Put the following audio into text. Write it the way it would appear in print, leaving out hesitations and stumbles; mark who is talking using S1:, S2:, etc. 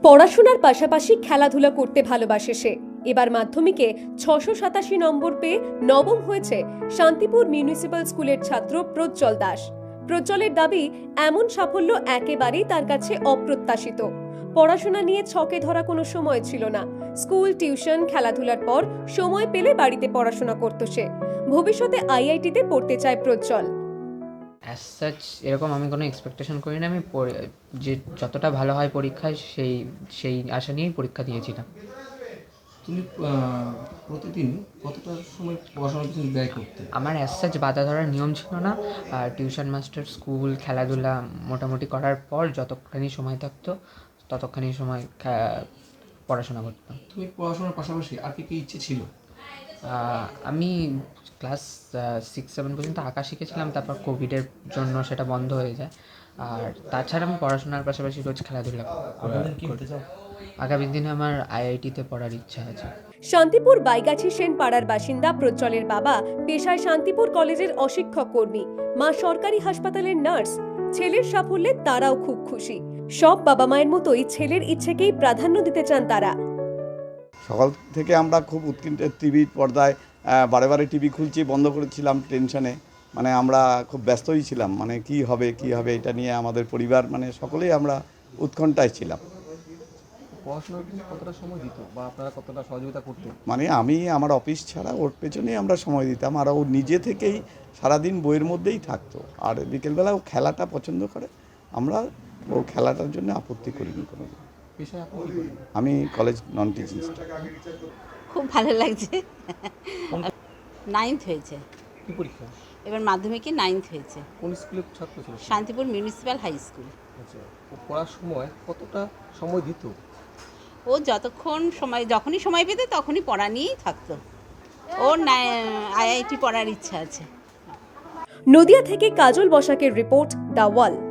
S1: পড়াশোনার পাশাপাশি খেলাধুলা করতে ভালোবাসে সে। এবার মাধ্যমিকে 687 নম্বর পেয়ে নবম হয়েছে শান্তিপুর মিউনিসিপ্যাল স্কুলের ছাত্র প্রজ্জ্বল দাস। প্রজ্জ্বলের দাবি, এমন সাফল্য একেবারেই তার কাছে অপ্রত্যাশিত। পড়াশোনা নিয়ে ছকে ধরা কোনো সময় ছিল না। স্কুল, টিউশন, খেলাধুলার পর সময় পেলে বাড়িতে পড়াশোনা করত সে। ভবিষ্যতে আইআইটিতে পড়তে চায় প্রজ্জ্বল।
S2: অ্যাজ সাচ এরকম আমি কোনো এক্সপেকটেশন করি না। আমি যে যতটা ভালো হয় পরীক্ষায় সেই আশা নিয়েই পরীক্ষা দিয়েছিলাম।
S3: তুমি প্রতিদিন কতটা সময় পড়াশোনার পিছনে ব্যয় করতে?
S2: আমার অ্যাজ সাচ বাধা ধরার নিয়ম ছিল না। টিউশন মাস্টার, স্কুল, খেলাধুলা মোটামুটি করার পর যতখানি সময় থাকতো ততখানি সময় পড়াশোনা করতাম।
S3: তুমি পড়াশোনার পাশাপাশি আর কি ইচ্ছে ছিল?
S2: আমি ক্লাস 6-7 পর্যন্ত আঁকা শিখেছিলাম, তারপর কোভিডের জন্য সেটা বন্ধ হয়ে যায়। আর তাছাড়া আমি পড়াশোনার পাশাপাশি রোজ খেলাধুলা করতে চাই। আগামী দিনে আমার আইআইটিতে পড়ার ইচ্ছা আছে।
S1: শান্তিপুর বাইগাছি সেন পাড়ার বাসিন্দা প্রজ্জ্বলের বাবা পেশায় শান্তিপুর কলেজের অশিক্ষক কর্মী, মা সরকারি হাসপাতালের নার্স। ছেলের সাফল্যে তারাও খুব খুশি। সব বাবা মায়ের মতোই ছেলের ইচ্ছেকেই প্রাধান্য দিতে চান তারা।
S4: সকাল থেকে আমরা খুব উৎকণ্ঠিত, টিভির পর্দায় বারে বারে টিভি খুলছি, বন্ধ করেছিলাম টেনশনে। মানে আমরা খুব ব্যস্তই ছিলাম, মানে কি হবে এটা নিয়ে আমাদের পরিবার মানে সকলেই আমরা উৎকণ্ঠায় ছিলাম।
S3: পড়াশোনার পিছনে কতটা সময় দিত বা আপনারা কতটা সহযোগিতা করতেন?
S4: মানে আমি আমার অফিস ছাড়া ওর পেছনেই আমরা সময় দিতাম, আর ও নিজে থেকেই সারাদিন বইয়ের মধ্যেই থাকতো। আর বিকেলবেলা ও খেলাটা পছন্দ করে, আমরা ও খেলাটার জন্য আপত্তি করিনি কোনো।
S3: পেশায় আপনি কি করেন?
S4: আমি কলেজ নন টিচিং স্টাফ।
S5: খুব ভালো লাগছে। 9th হয়েছে,
S3: কি পরীক্ষা?
S5: এবার মাধ্যমিকে 9th হয়েছে।
S3: কোন স্কুলের ছাত্র ছিল?
S5: Shantipur municipal high school.
S3: আচ্ছা, ও পড়ার সময় কতটা সময় দিত?
S5: ও যখনই সময় পেত তখনই পড়া নিয়েই থাকতো। ওর আইআইটি পড়ার ইচ্ছা আছে।
S1: নদিয়া থেকে কাজল বসাকের রিপোর্ট, দ্য ওয়াল।